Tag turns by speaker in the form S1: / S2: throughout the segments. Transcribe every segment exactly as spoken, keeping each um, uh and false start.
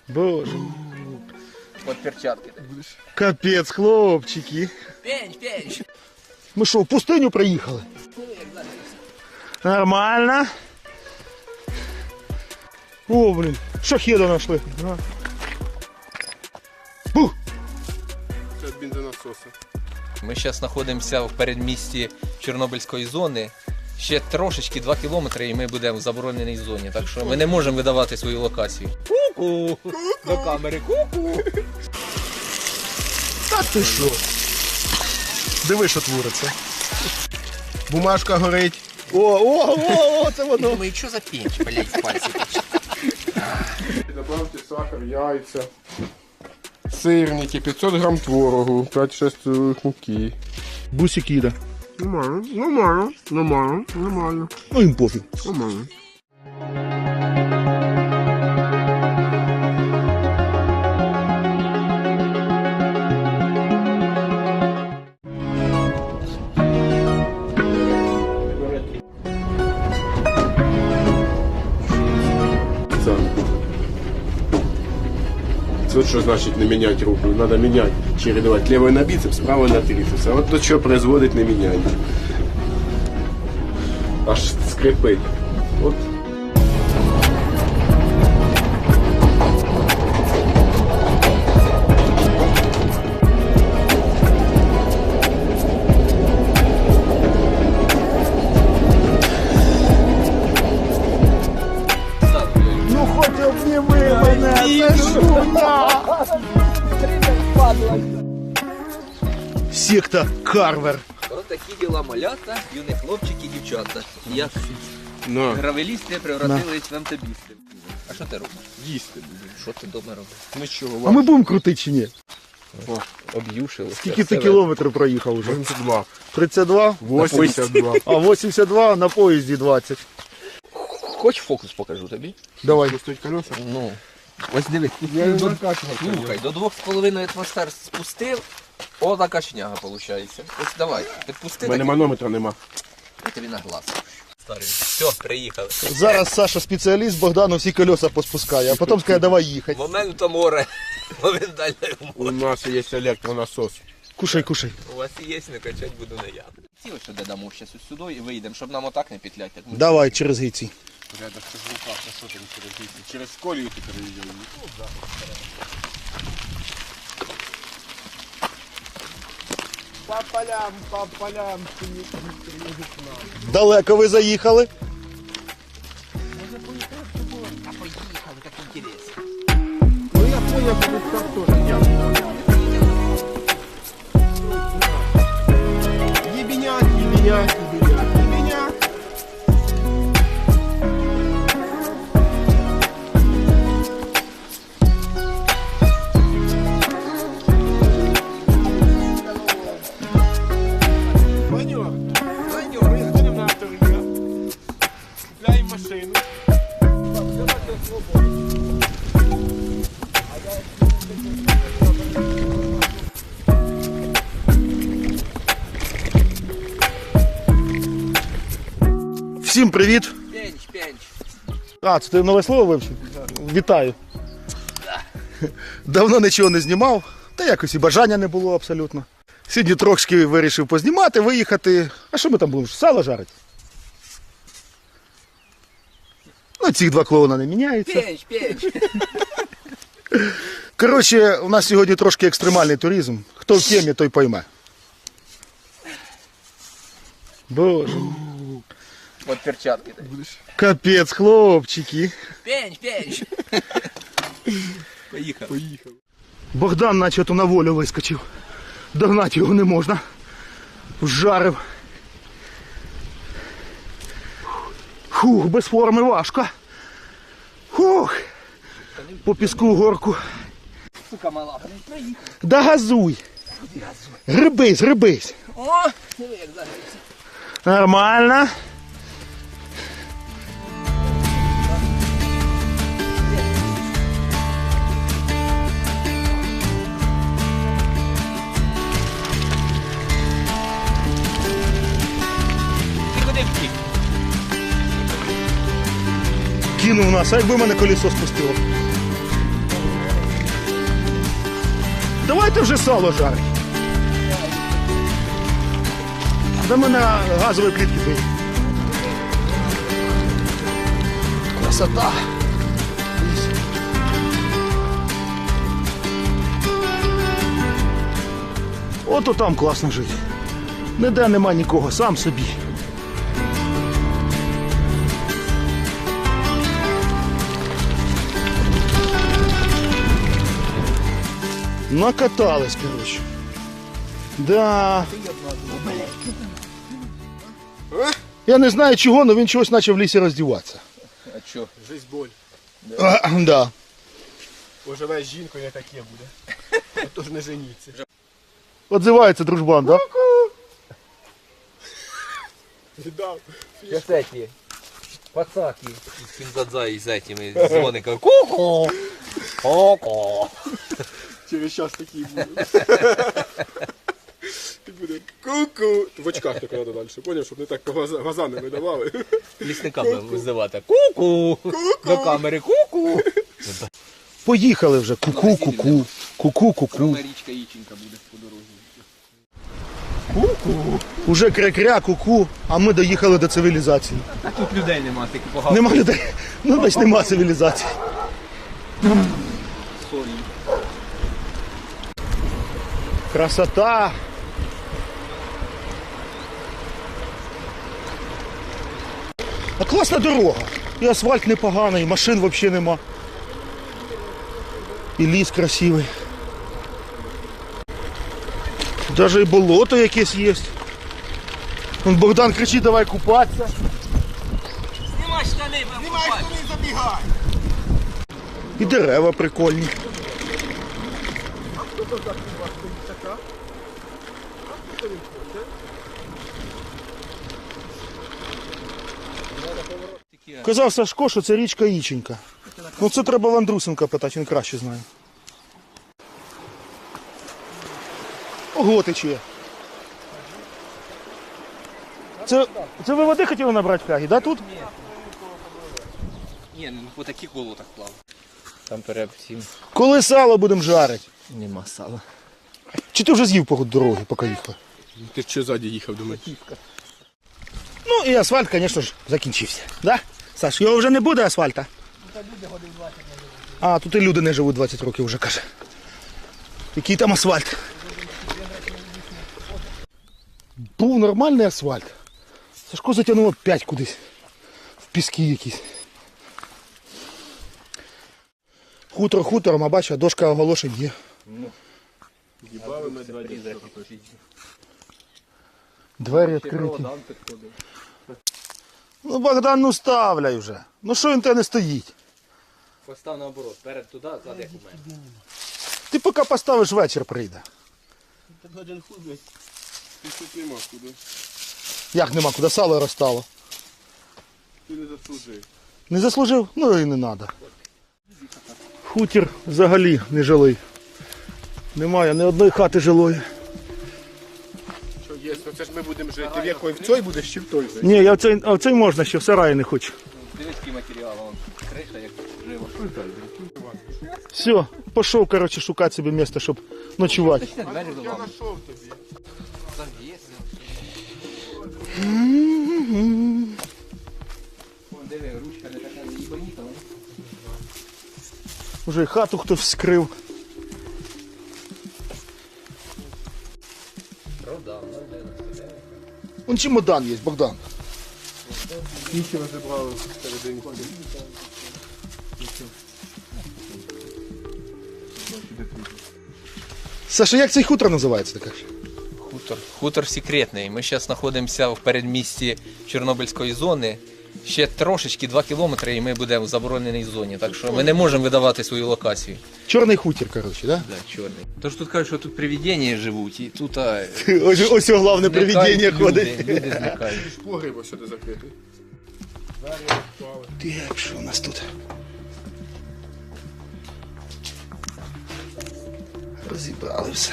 S1: Боже.
S2: От перчатки.
S1: Капець, хлопчики.
S2: Пенч, пенч.
S1: Ми що, в пустиню приїхали? Нормально. О, блін, шахеда знайшли. Бух!
S3: Це від бензонасоса.
S2: Ми зараз знаходимося в передмісті Чорнобильської зони. Ще трошечки два кілометри і ми будемо в забороненій зоні. Так що ми не можемо видавати свою локацію. Ку-ку! До камери ку-ку!
S1: Та ти що? Диви, що твориться.
S3: Бумажка горить.
S1: О, о, о, о, це воно.
S2: Думаю, що за пенч, блядь, в пальці тече.
S3: Добавте сахар, яйця, сирники, п'ятсот грам творогу, п'ять-шість муки.
S1: Бусик їде.
S3: Нормально, нормально, нормально, нормально,
S1: Ну їм пофіг.
S3: нормально. Вот что значит не менять руку. Надо менять, чередовать левой на бицепс, правой на трицепс. А вот то, что производит не меняние. Аж скрипить. Вот.
S1: Ну хоч обніми мене, це шумно. Секта Карвер.
S2: Ось такі діла малята, юні хлопчики і дівчата. Як
S3: На.
S2: гравелісти превратились в амтобісти. А що ти робиш?
S3: Їсти.
S2: Що ти вдома робиш?
S3: Нічого.
S1: А ми будемо крутити чи ні?
S2: Об'юшили.
S1: Скільки ти кілометрів проїхав уже?
S3: вісімдесят два.
S1: тридцять два?
S3: восемьдесят два.
S1: А вісімдесят два на поїзді двадцять.
S2: Хоч фокус покажу тобі?
S1: Давай.
S3: Стоять колеса?
S2: Ну. Ось диви.
S3: Я не
S2: До-
S3: накачивал.
S2: Слухай, до двох з половиною атмосфер спустив, о, така шняга виходить. Ось давай, підпусти,
S3: У мене
S2: так
S3: манометра нема.
S2: і тобі на глаз. Старий. Все, приїхали.
S1: Зараз Саша спеціаліст, Богдану всі колеса поспускає, а потім скаже, давай їхати.
S2: Моменту море. Моментально
S3: У
S2: море.
S3: нас є електронасос.
S1: Кушай, кушай.
S2: У вас є, не качать буду не я. Ці ось сюди дамо зараз ось сюди і вийдемо, щоб нам отак не петлять. Так ми...
S1: Давай, через гейці.
S3: Рядом с звуком, что там через гейцы? Через колію ти переїдемо. По полям, по полям.
S1: Далеко ви заїхали?
S2: А поїхали, так інтересно.
S3: Ну я понял, что тут так тоже ясно. Ебенят, ебенят, ебенят, ебенят. Манёр, манёр, їздимо на авторія. Купляємо машину.
S1: Всім привіт.
S2: Пенч, пенч.
S1: А, це ти нове слово вивчив? Вітаю. Давно нічого не знімав, та якось і бажання не було абсолютно. Сьогодні трошки вирішив познімати, виїхати. А що ми там будемо? Сало жарити? Ну, ці два клоуна не міняються.
S2: Пенч, пенч.
S1: Коротше, у нас сьогодні трошки екстремальний туризм. Хто в темі, той пойме. Боже.
S2: От перчатки.
S1: Капець, хлопчики.
S2: Пенч, пенч. Поїхали.
S3: Поїхав.
S1: Богдан наче то на волю вискочив. Догнати його не можна. Вжарив. Фух, без форми важко. Фух. По піску горку.
S2: Сука мала, блядь, проїхав.
S1: Да газуй. Грибись, грибись.
S2: О, диви, як зараз.
S1: Нормально.
S2: Ти куди втік?
S1: Кинув нас, а якби мене колесо спустило. давайте вже сало жарить. До мене газової плітки бить. Красота. Ото там класно жити. Ніде нема нікого, сам собі. Накатались, короче. Да. Я не знаю чого, але він чогось почав в лісі роздіватися.
S2: А що?
S3: Жизнь боль.
S1: А, да.
S3: Поживе з жінкою, не таке буде. Отож не женіться.
S1: Отзивається дружбан, да?
S3: Віддав.
S2: Сейчас эти пацаки из Кинзадза с этими звониками. Ку-ку! Ку-ку!
S3: Через час такий буде. І буде ку-ку. В очках так треба далі. Поняв, щоб не так глаза, глаза не видавали.
S2: Лісника будемо визивати. Ку-ку! До камери ку-ку!
S1: Поїхали вже. Ку-ку, ку-ку. Ку-ку, ку-ку.
S2: Річка Іченька буде по дорозі.
S1: Уже кря-кря, ку-ку, а ми доїхали до цивілізації.
S2: А тут людей нема, тільки погано.
S1: Нема людей. Ну, значить, нема цивілізації.
S2: Сорі.
S1: Красота. А класна дорога. І асфальт непоганий, і машин взагалі нема. І ліс красивий. Даже і болото якесь є. Вон Богдан кричить, давай купатися.
S2: Знімай штани, знімай штани, забігай.
S1: І дерева прикольні. Казав Сашко, що це річка Іченька. Ну це треба в Андрусенка питати, він краще знає. Ого, тече. Це, це ви води хотіли набрати в флягі, да, тут?
S2: Ні, ну по таких болотах плав. Там перед всім
S1: Коли сало будемо жарити?
S2: нема сала.
S1: Чи ти вже з'їв по дороги, поки їхав?
S3: Ти що ззаді їхав, думаю?
S1: Ну і асфальт, звісно ж, закінчився. Да? Саш, його вже не буде асфальта? А, тут і люди не живуть двадцять років вже, каже. Який там асфальт? Був нормальний асфальт. Сашко затягнуло п'ять кудись. В піски якісь. Хутор хутором, а бачиш, дошка оголошень є.
S3: Їбали ми два дні.
S1: Двері відкриті. Ну, Богдан, ну ставляй вже. Ну що він тебе не стоїть?
S2: Постав наоборот, перед туди, зад як у мене.
S1: Ти поки поставиш, вечір прийде.
S3: Один хуй, блядь. Ти тут нема куди.
S1: Як нема, куди сало розстало?
S3: Ти не заслужив.
S1: Не заслужив? Ну і не треба. Хутір взагалі не жилий. Немає ні одної хати жилої.
S3: Що є, ну це ж ми будемо жити. В якої? В цій будеш чи в той же?
S1: Ні, я в цей, а в цей можна ще, в сараї не хочу.
S2: Дивись, який матеріал, вон криша як жива.
S1: Все, пішов, коротше, шукати собі місце, щоб ночувати.
S2: Двері
S3: Я
S2: до
S3: знайшов тобі.
S2: Завіси. Вон диви, ручка не така їбаніта.
S1: Уже і хату хтось вскрив.
S2: Продав,
S1: Вон чемодан є, Богдан.
S3: Нічого забрали всередині.
S1: Саша, як цей хутор називається, ти кажеш?
S2: Хутор. Хутор секретний. Ми зараз знаходимося в передмісті Чорнобильської зони. Ще трошечки, два кілометри, і ми будемо в забороненій зоні. Так що ми не можемо видавати свою локацію.
S1: Чорний хутір, коротше, да?
S2: Да, чорний. Тож тут кажуть, що тут привидення живуть, і тут а,
S1: Ось, ось головне
S2: зникають
S1: привидіння
S2: люди,
S1: ходить.
S2: люди зникають.
S3: Погріб ось сюди закритий.
S1: Так, що у нас тут? Розібрали все.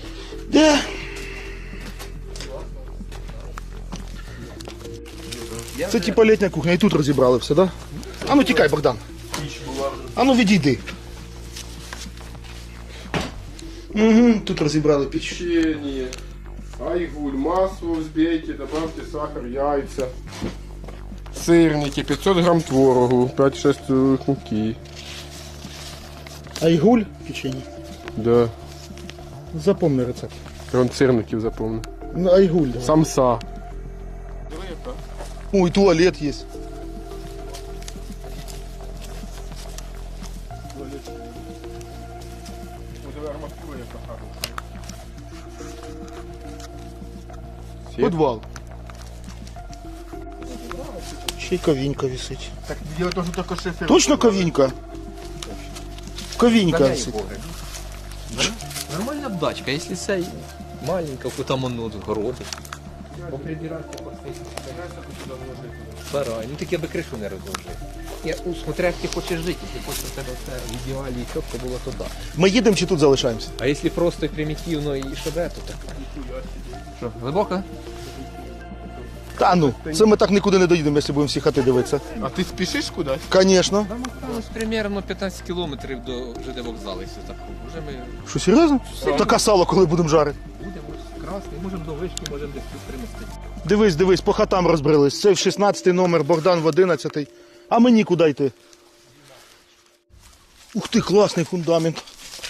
S1: Де?
S2: Я
S1: Це
S2: вже-
S1: типа літня кухня, і тут розібрали все, да? А ну тікай, Богдан. А ну відійди. Угу, тут розібрали піч.
S3: Печенье, айгуль, масло взбейте, добавьте сахар, яйца. Сырники, пятьсот грамм творогу, пять-шесть столовых муки.
S1: Айгуль печені.
S3: Да,
S1: Запомни рецепт.
S3: он сырників запомнил.
S1: Ну, айгуль. Давай.
S3: Самса.
S1: О, і туалет є. Подвал. Ще й ковінька висить.
S3: Так я тоже только шефер.
S1: Точно ковінька? Ковінька висить.
S2: Нормальна бдачка, якщо це маленька, то там воно городи. Поприбирати, Сарай. Ну так я би кришу не розложив. Я, ну, смотря як ти хочеш жити, якщо хочеш у тебе все в ідеалі і чітко було, то да.
S1: Ми їдемо чи тут залишаємося?
S2: А якщо просто і примітивно і шабе, то так. Що, глибоко?
S1: Та ну, це ми так нікуди не доїдемо, якщо будемо всі хати дивитися.
S3: А ты спешишь куда?
S1: Звісно.
S2: Нам осталось примерно п'ятнадцять кілометрів до ЖД вокзалу, якщо так. Вже ми
S1: Що, серйозно? Таке сало, коли будемо жарити.
S2: будемо красний, можемо до вишки, можемо десь тут примістити.
S1: Дивись, дивись, по хатам розбрелись. Це в шістнадцятий номер, Богдан в одинадцятий. А мені куди йти? Ух ти, класний фундамент.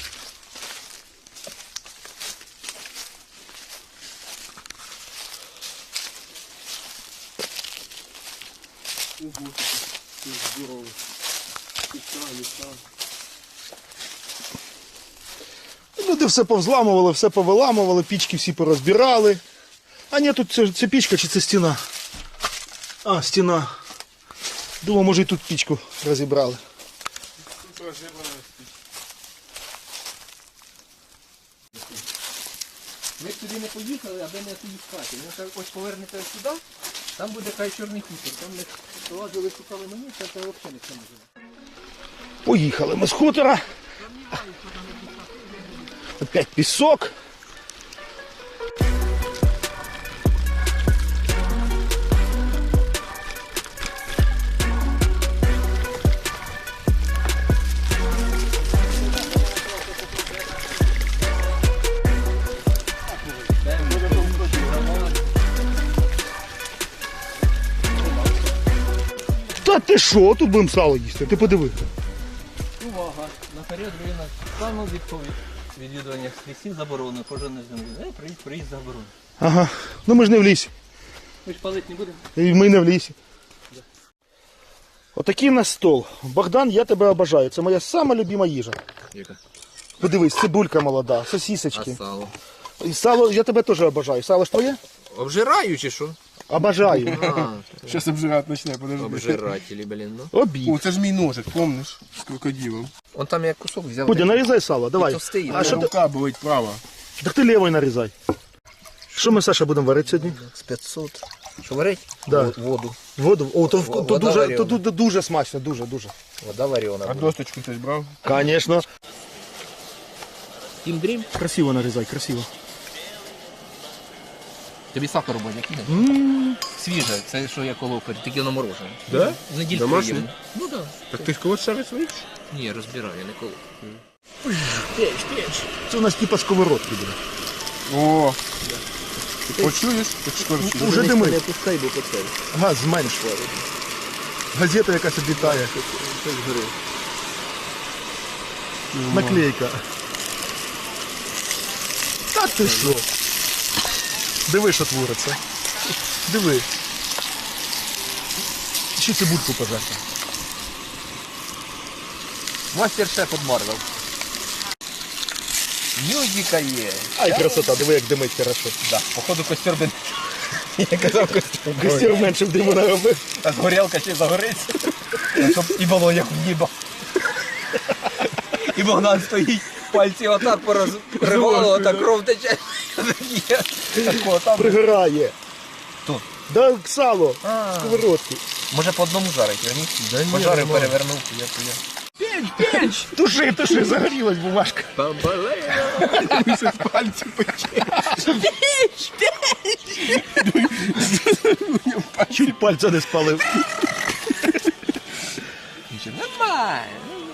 S1: Люди все повзламували, все повиламували, пічки всі порозбирали. А ні, тут це, це пічка чи це стіна? А, стіна. Думаю, може і тут пічку розібрали.
S2: Ви б туди не поїхали, аби не туди спати. Ну, так ось повернете сюди, там буде хай чорний хутір. Там ми лазили, шукали мені, це взагалі ніхто не живе.
S1: Поїхали ми з хутора. Опять пісок. Та ти що, тут будемо сало їсти, ти подиви.
S2: Увага! Наперед руїна стану відповідь. Відвідування лісів заборонено, кожен не землі. Ей, приїзд, приїзд заборонено.
S1: Ага, ну ми ж не в лісі.
S2: Ми ж палити не будемо.
S1: І ми не в лісі. Отакий у нас стол. Богдан, я тебе обожаю. Це моя сама любима їжа.
S2: Яка?
S1: Подивись, цибулька молода, сосісочки.
S2: сало?
S1: І сало, я тебе теж обожаю. Сало ж твоє?
S2: Обжираю чи що?
S1: Обожаю.
S2: А,
S3: Сейчас обжирать начне, подожди.
S2: обжиратели, блін, ну.
S1: Обід.
S3: О, это же мій ножик, помнишь? С крокодилом.
S2: Он там як кусок взяв.
S1: Пудя, нарізай сало, давай.
S2: товстий,
S1: А що ти?
S3: Рука болить права.
S1: Так ти лівою нарізай. Що ми, Саша, будемо варити сьогодні?
S2: З п'ятсот. Що варить?
S1: Да.
S2: Во- Воду.
S1: Воду. О, то,
S2: Во-
S1: то,
S2: вода
S1: дуже,
S2: варена.
S1: то, дуже, дуже смачно, дуже, дуже.
S2: Вода варена.
S3: А досточку хтось брав?
S1: Звісно.
S2: Тім дрім.
S1: Красиво нарізай, красиво.
S2: Тобі сахару буде який? Свіже, це що я колов, тільки воно морожене.
S3: Да?
S2: Недільку
S3: Домашнє?
S2: їм. Ну так. Да.
S3: Так ти ж когось шариш своїх?
S2: Ні, я розбираю, я не колов.
S1: Це у нас типа сковородки буде.
S3: О! Ти почуєш? Ти шкорчиш.
S1: Уже
S2: Не
S1: дими.
S2: пускай, бо поцель.
S1: Газ зменш. Газета якась облітає. Наклейка. Та ти що? Диви, що твориться. Диви. Ще цибульку пожарити.
S2: Мастер-шеф від Марвел. Мюзика є.
S1: Ай, красота, диви, як димить хорошо.
S2: Да, походу костер би... Я казав костер.
S1: Костер менше в диму наробив.
S2: А горілка ще загориться. Щоб і було як в ніба. І Богдан стоїть, пальці отак порозривало, отак кров тече. Тако там.
S1: Пригорає.
S2: Хто?
S1: Да, сало.
S2: А.
S1: Сковородки.
S2: Може по одному жарить, верніть? Пожарив, перевернув. Я п'ять.
S1: Туши, туши, загорілась бумажка.
S3: Місяць пальці пече.
S1: Чуть пальця не спалив.
S2: Нічого, нормально.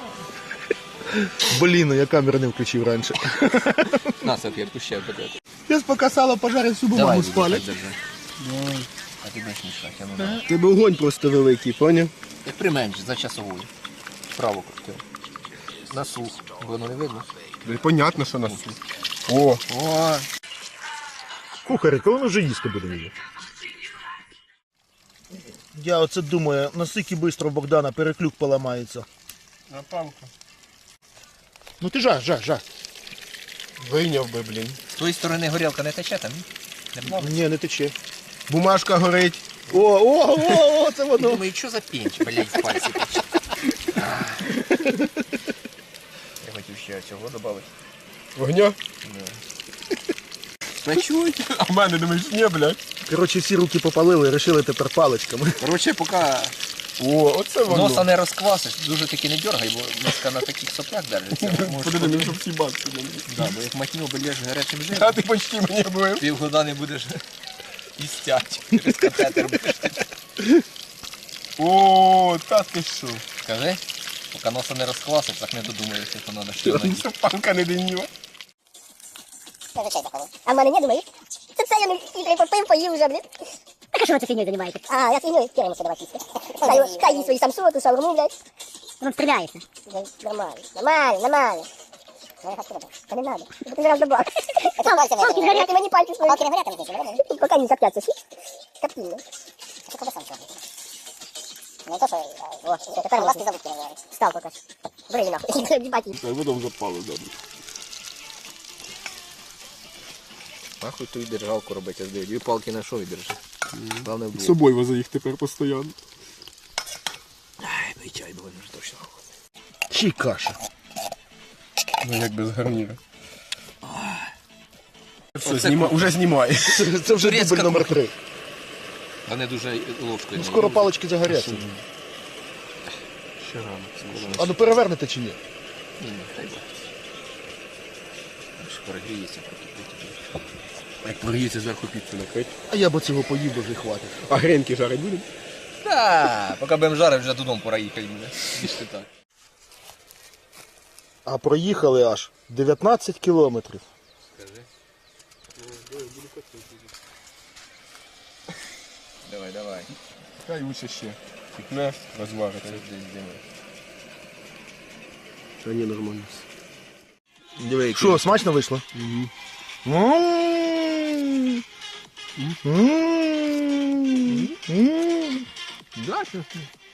S1: Блін, ну я камеру не включив раніше.
S2: На, салфетку ще подати.
S1: Я поки сало пожарив, всю бумагу спалив.
S2: А ти будеш мішати, а ну давай.
S3: Тебе огонь просто великий, поняв?
S2: Як применш за часовою. Вправо крути. На сух. Воно не видно.
S3: Понятно, що нас. О,
S2: О,
S1: Кухарі, коли ми вже їсти будемо її? Я оце думаю, наскільки швидко Богдана переклюк поламається.
S3: напалка.
S1: Ну ти жар, жар, жар.
S3: Вийняв би, блін.
S2: з тої сторони горілка не тече там? Не плаває?
S1: Ні, не тече.
S3: Бумажка горить.
S1: О, о, о, о, це воно.
S2: Думаю, що за пінч, блядь, в пальці тече. Я хотів ще цього додати.
S3: Вогня?
S2: Почуй.
S3: А в мене думаєш, ні, блядь.
S1: Коротше, всі руки попалили, вирішили тепер паличками.
S2: Коротше, поки
S3: О, оце воно.
S2: носа не розквасиш, дуже таки не дергай, бо носка на таких соплях держиться.
S3: Подиви, мені щоб всі бабки.
S2: Да, бо як матню обельєш гарячим жиром,
S3: А ти почти мені був.
S2: півгода не будеш істять. Через катетер будеш.
S3: О, та ти що?
S2: Скажи, поки носа не розквасиш, так не додумаєшся, що треба ще надіти.
S3: Це панка не деньова.
S4: А в мене не думаєш? Це це я не хитрий попив, поїв вже, блін.
S5: Так а що ви це фігньою займаєтесь?
S4: А, я фігню, кидаємося давай їсти. Хай, хай їсть свої самсоти, шаурму, блядь.
S5: Воно стріляється.
S4: Блядь, Нормально, нормально, нормально. Ну, я хочу, та не надо. Ти зараз добав.
S5: Палки згорять.
S4: Ти мені пальці свої. Палки не горять, не здесь, поки не коптяться, всі. Коптильно. Що коли сам чорний? Не то, що... О, тепер власне забудки не говорить. Став поки що. Бери нахуй, дібать їх.
S3: Так, видом запали, добре.
S2: Нахуй ту і держалку робити, а дві палки на що відержи? Главне
S3: З
S2: вдвох.
S3: собою вози їх тепер постійно.
S2: Ай, ну і чай, бо вже точно.
S1: Ще й каша.
S3: Ну як без гарніра. Все,
S2: Оце
S3: зніма... уже знімає.
S1: Це, це вже
S2: Турецька
S1: дубль номер три.
S2: Вони дуже ложкою.
S1: Ну, скоро палички загоряться.
S3: Ще рано.
S1: А ну перевернете чи ні?
S2: Ні, ні, хай буде. Аж перегріється, прокипить.
S3: Як прогріється зверху піцу накрить.
S1: А я б цього поїв, бо вже хватить.
S3: А гренки жарить будемо?
S2: Так, поки будемо жарити, вже додому пора їхати буде. Більше так.
S1: А проїхали аж дев'ятнадцять кілометрів.
S2: Скажи. Давай, давай.
S3: Хай лучше ще. Пікне, розвариться. Та ні, нормально.
S2: Диви,
S1: Що, смачно вийшло? Угу.
S3: Да, що?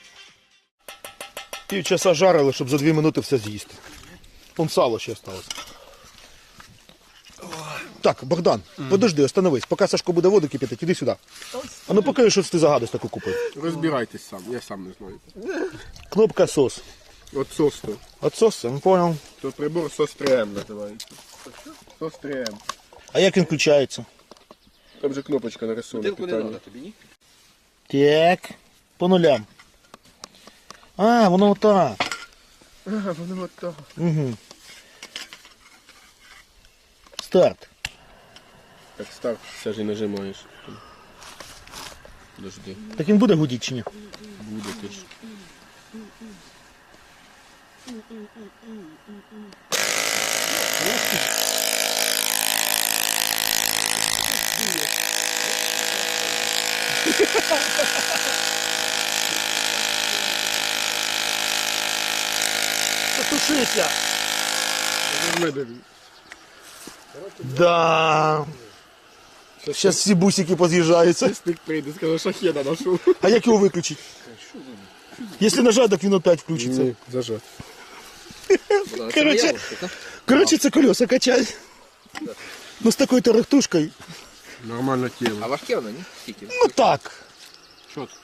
S1: Півчаса жарили, щоб за дві минути все з'їсти. Вон сало ще осталось. Так, Богдан, подожди, остановись. Поки Сашко буде воду кипятити, іди сюди. А ну покажи, що ти за гадость таку купив.
S3: Розбирайтесь сам, я сам не знаю.
S1: Кнопка сос.
S3: От сос то.
S1: От сос, я не понял.
S3: То прибор сос три ем називається. сос три ем.
S1: А як він включається?
S3: Там же кнопочка нарисована.
S2: Бутилку не
S3: питання.
S2: треба тобі, ні?
S1: Так, по нулям. А, воно отак.
S3: А, воно от так.
S1: Угу. Старт.
S3: Так, старт, все ж і нажимаєш. Подожди,
S1: Так він буде гудіти чи ні?
S3: буде ти ж.
S1: Потушися.
S3: Медові.
S1: Да. Зараз всі бусики поз'їжджаються.
S3: Стик прийде, скаже, шахеда нашов.
S1: А як його виключити? Якщо нажати, так він опять включиться.
S3: Ні, зажат.
S1: Короче, короче, це колеса качать. Ну з такою тарахтушкою.
S3: Нормально
S2: А
S3: тіло.
S2: важке воно, ні? Скільки?
S1: Ну так.
S3: Чітко.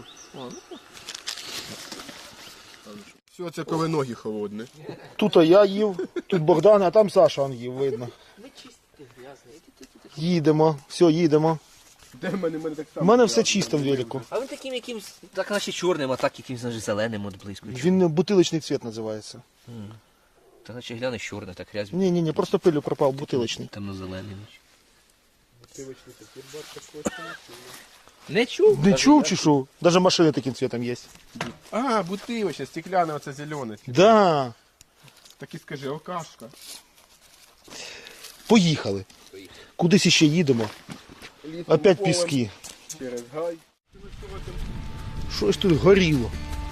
S3: Все, це коли ноги холодні.
S1: Тут я їв, тут Богдан, а там Саша он їв, видно. Їдемо, все, їдемо.
S3: Де в мене, в мене так
S1: У
S3: само.
S1: мене все чисто в велику.
S2: А він таким якимсь, так наче чорним, а так якимсь наче зеленим от близько.
S1: Він бутилочний цвіт називається.
S2: Та наче глянеш чорне, так грязь.
S1: Ні, ні, ні, просто пилю пропав, бутилочний.
S2: Темно-зелений. Не чув?
S1: Не чув чи що? Даже машини таким цветом є.
S3: А, бутилочка, стекляна, оце зелене.
S1: Да.
S3: Так і скажи, алкашка.
S1: Поїхали. Кудись іще їдемо. Опять піски.
S3: Через гай.
S1: Щось тут горіло.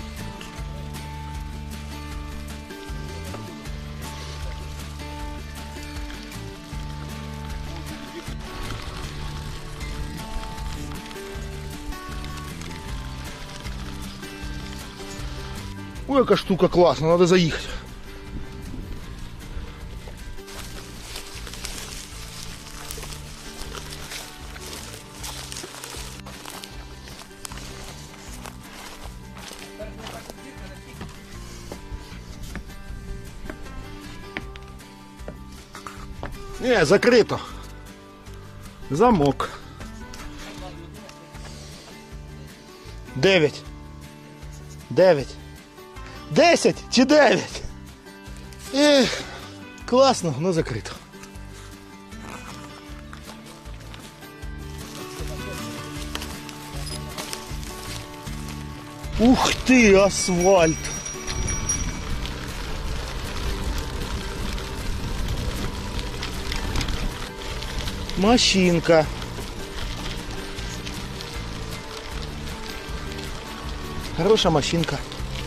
S1: Ой, яка штука класна, треба заїхати. Не, закрито. Замок. Дев'ять. Дев'ять. Десять чи дев'ять? Ех, класно, но закрито. Ух ти, асфальт. Машинка. Хороша машинка.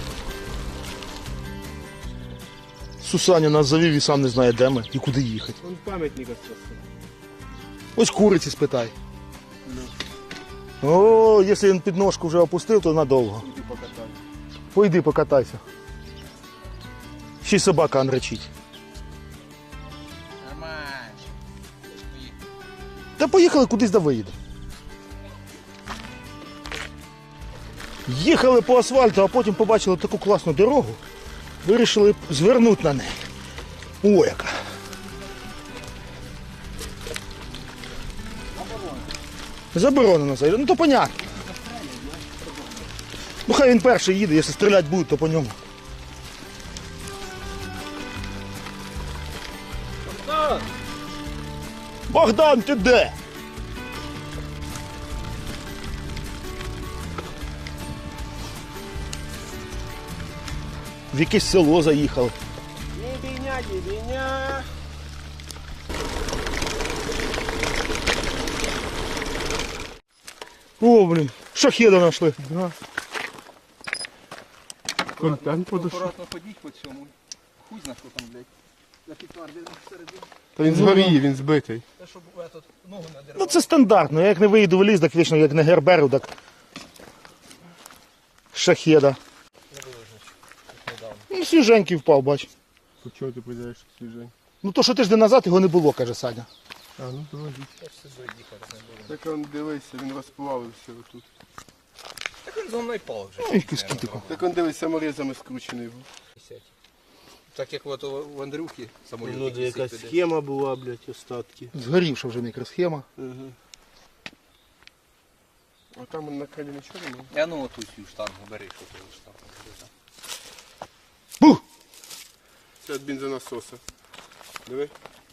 S1: Сусаня нас завів і сам не знає, де ми і куди їхати.
S3: Он пам'ятник остался.
S1: Ось куриці спитай. О, якщо він підножку вже опустив, то надовго.
S3: Иди покатай.
S1: Пойди покатайся. Ще й собака анречить. Та поїхали кудись да виїде. Їхали по асфальту, а потім побачили таку класну дорогу. Вирішили звернути на неї. О, яка. Заборонено заїжджати. Ну то понятно. Ну хай він перший їде, якщо стріляти будуть, то по ньому. Богдан, ти де? В якесь село заїхали.
S3: Дебеня, дебеня.
S1: О, блін, шахеда знайшли.
S3: Да. Контент подошов.
S2: Акуратно ходіть по цьому. Хуй зна, що там, блядь. Я підтвердив всередині.
S3: Та він згорів, він збитий.
S2: Те, щоб этот, ногу не
S1: Ну
S2: дервав.
S1: це стандартно, я як не виїду в ліс, так вічно як не герберу, так шахеда. Ну, свіженький впав, бач.
S3: По чого ти подивишся свіжень?
S1: Ну то, що тиждень назад його не було, каже Саня.
S3: А, ну давай. Так он дивися, він розплавився отут.
S2: Так він за мною пав вже.
S1: Ну, якийсь кітико.
S3: Так он дивись, саморезами скручений був.
S2: Так як от у Андрюхи самоліт.
S6: Ну, де якась схема була, блядь, остатки.
S1: Згорівша вже мікросхема.
S3: Угу. А там он на крилі нічого немає?
S2: Я ну оту цю штангу бери, що ти штангу.
S1: Бух!
S3: Це від бензонасоса. Диви.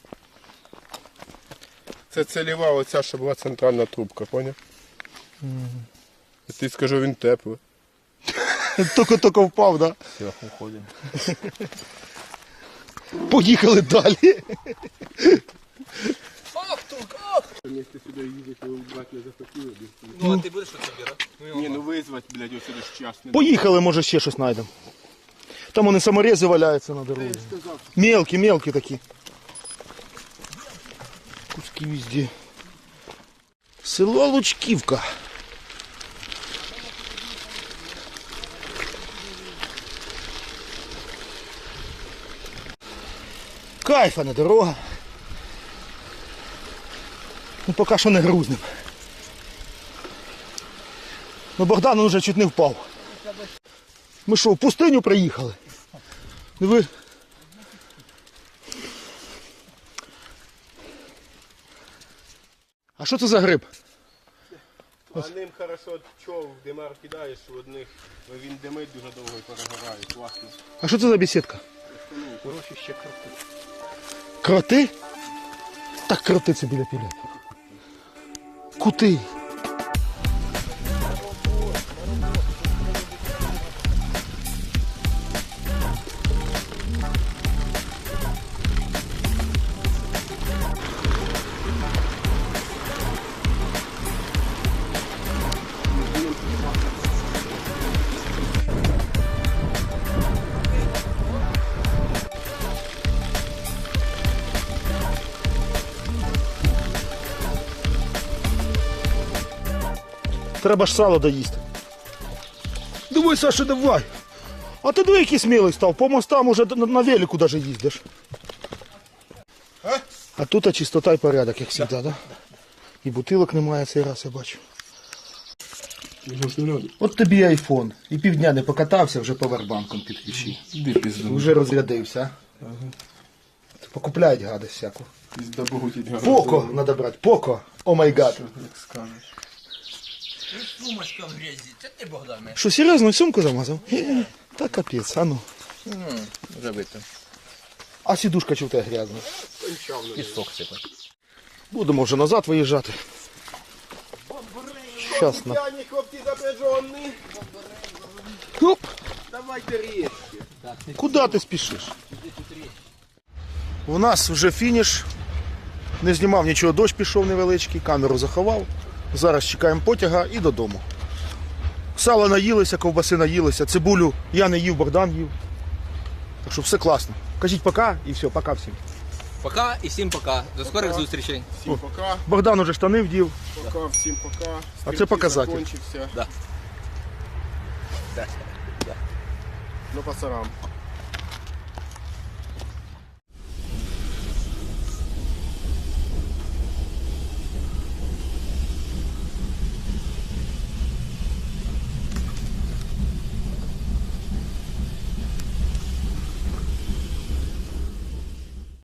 S3: Це целева оця, що була центральна трубка, поняв? Я тобі скажу, він теплий.
S1: Тільки-тільки впав, так?
S2: Все, уходимо.
S1: Поїхали далі.
S2: Ах, тут, ах!
S3: Якщо сюди їздити, ви брати не захотіли.
S2: Ну, а ти будеш що собирати?
S3: Ні, ну визвати, блядь, ось сюди ж час не
S1: Поїхали, може ще щось знайдемо. Там вони саморези валяються на дорозі. Мелкі, мелкі такі. Куски везде. Село Лучківка. Кайфана дорога. Ну поки що не грузнем. Ну Богдан вже чуть не впав. Ми що, в пустиню приїхали? Диви. А що це за гриб?
S3: А ним хорошо чов, димар кидаєш в одних, він димить дуже довго і перегорає, класно.
S1: А що це за бесідка?
S3: Хороші ще кроти.
S1: Кроти? Так кроти це біля піля. Кути. Треба ж сало доїсти. Давай, Саша, давай. А ти диви, який смілий став. По мостам уже на, на велику даже їздиш. А тут чистота і порядок, як завжди, да? І бутилок немає цей раз, я бачу. От тобі айфон. І півдня не покатався, вже повербанком підключив.
S3: Іди пізду.
S1: Вже розрядився. а? Покупляють гадость всяку.
S3: Пізда Богу ті гарно.
S1: Поко треба брати, поко. О май гад.
S3: Як скажеш.
S2: Сумочка в грязі, це ти, Богдане.
S1: Що, серйозно, сумку замазав? Е, Та капець, а ну.
S2: Вже бито.
S1: А сідушка чи в тебе грязна?
S2: Пісок сипать.
S1: Будемо вже назад виїжджати. Щас на...
S6: П'яні хлопці запряжені.
S1: Оп!
S6: Давайте річки.
S1: Куди ти спішиш? У нас вже фініш. Не знімав нічого, дощ пішов невеличкий, камеру заховав. Зараз чекаємо потяга і додому. Сало наїлися, ковбаси наїлися, цибулю я не їв, Богдан їв. Так що все класно. Кажіть пока і все, пока всім.
S2: Пока і всім пока. До скорих зустрічей.
S3: Всім пока.
S1: Богдан уже штани вдів.
S3: Пока, всім пока.
S1: А це показатель.
S3: Закончився.
S2: Да.
S3: Ну, пацарам.